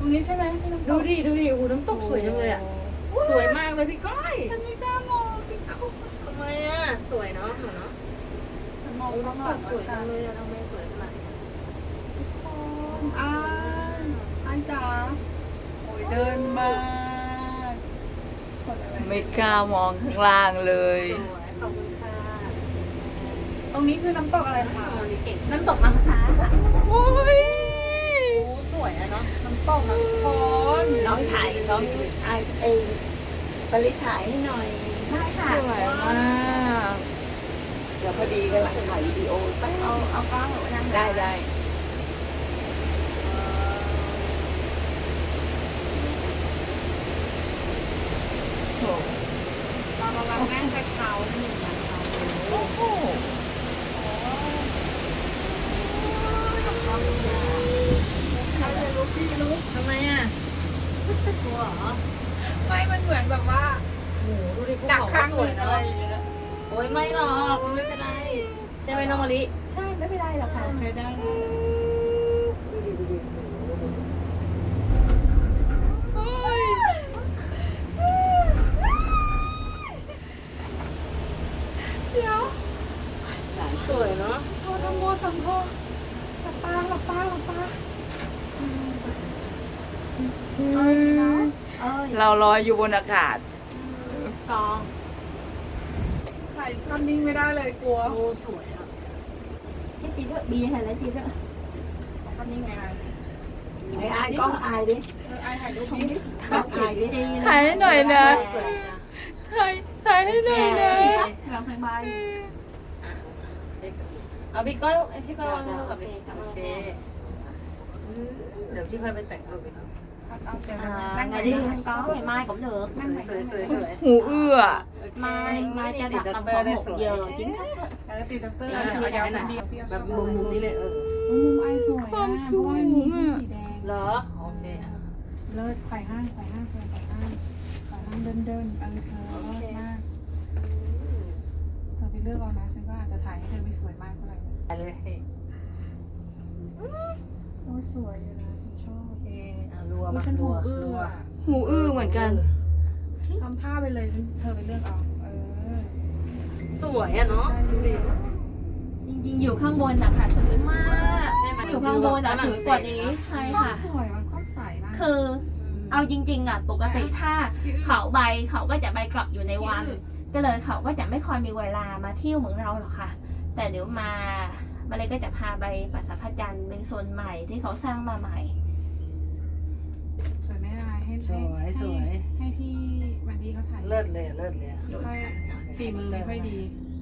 รงนี้ใช่ไหมที่น้ำตดูกดิโอ้โหน้ำตกสวยจังเลยอ่ะสวยมากเลยพี่ก้อยฉันไม่กล้ามองสิคุณทำไมอ่ะสวยเนาะเหรอเนาะฉันมองข้างหน้ำตลังกสวยจังเลยอะทำไมสวยขนาดนี้อ้ายจ๋าโอ้ยเดินมาคนอะไรไม่กล้ามองข้างล่างเลยสวยขอบคุณค่ะตรงนี้คือน้ำตกอะไรคะวันนี้เก่งน้ำตกน้ำค้าค่ะโอ้ยโอ้สวยอะเนาะน้ำตกนะทุกคนน้องถ่ายน้องไอเองปริถ่ายให้หน่อยได้ค่ะสวยมาก เดี๋ยวพอดีกำลังถ่ายวิดีโอไปเอากล้องไปทางได้โอ้เรากำลังนั่งกระเช้าหนึ่งนะคะโหทำไมอ่ะกลัวเหรอไม่มันเหมือนแบบว่าโอ้โหดูดิภูดักเขาข้างสหวนึ่ยงอะไรเนาะอย่างเงี้ยโอ้ยไม่หรอกมันไม่เป็นไรใช่ไหมน้องมะลิใช่ไม่เป็นไรหรอกค่ะไม่ได้ เดี๋ยวสวยเนาะโทรทำโมสัมโพหลับตาหลับตาหลับตาเอ้ยเนาะเอ้ยเราลอยอยู่บนอากาศกองถ่ายภาพนิ่งไม่ได้เลยกลัวโอ้สวยอ่ะให้จีด้วยบีเห็นแล้วจีด้วยภาพนิ่งไงอ่ะไอ้อายกล้องอายดิไอถ่ายรูปนี้ดิกล้องอายดิถ่ายให้หน่อยนะสวยจ้ะถ่ายให้หน่อยนะหลังสบายเอาพี่ก้อยพี่ก้อยวางรูปกับพี่โอเคเดี๋ยวพี่ค่อยไปแต่งรูปอีกเอาเสียงนั่งไงดิกล้องไอ้ไม้cũng được สวยสวยสวยหูเอื้อ mai cho đặt tầm khoảng 1 giờ chính thức ติดตังเตอร์เอายาวๆดีแบบมุมนี้เลยมุมไอสวยความสวยสีอ่ะแดงเหรอโอเคอ่ะเลิศไข่ห้างเดินเดินเออเธอเลิศมากเธอไปเลือกเอานะฉันก็อาจจะถ่ายให้เธอไม่สวยมากเท่าไหร่ไปเลยโอ้สวยอยู่นะฉันชอบโอเครัวนี่มาฉันรัถูวกอื้รัอวอ่ะหูอื้อเหมือนกันทำท่าไปเลยเธอไปเลือกเอาสวยอ่ะเนาะดูดิจริงๆอยู่ข้างบนนะคะสวยมากใช่ไหมอยู่ข้างบนอะสวยกว่านี้ใช่ค่ะสวยมันก็ใสมากคือเอาจริงๆอ่ะปกติถ้าเขาใบเขาก็จะใบกลับอยู่ในวัน ก็เลยเขาก็จะไม่ค่อยมีเวลามาเที่ยวเหมือนเราหรอกค่ะ แต่เดี๋ยวมาเลยก็จะพาไปปราสาทพระจันทร์เป็นโซนใหม่ที่เขาสร้างมาใหม่สวยไม่ได้ให้ให้พี่วันดีเขาถ่ายเลิศเลยเลิศเลยค่อยฝีมือไม่ค่อยดีอ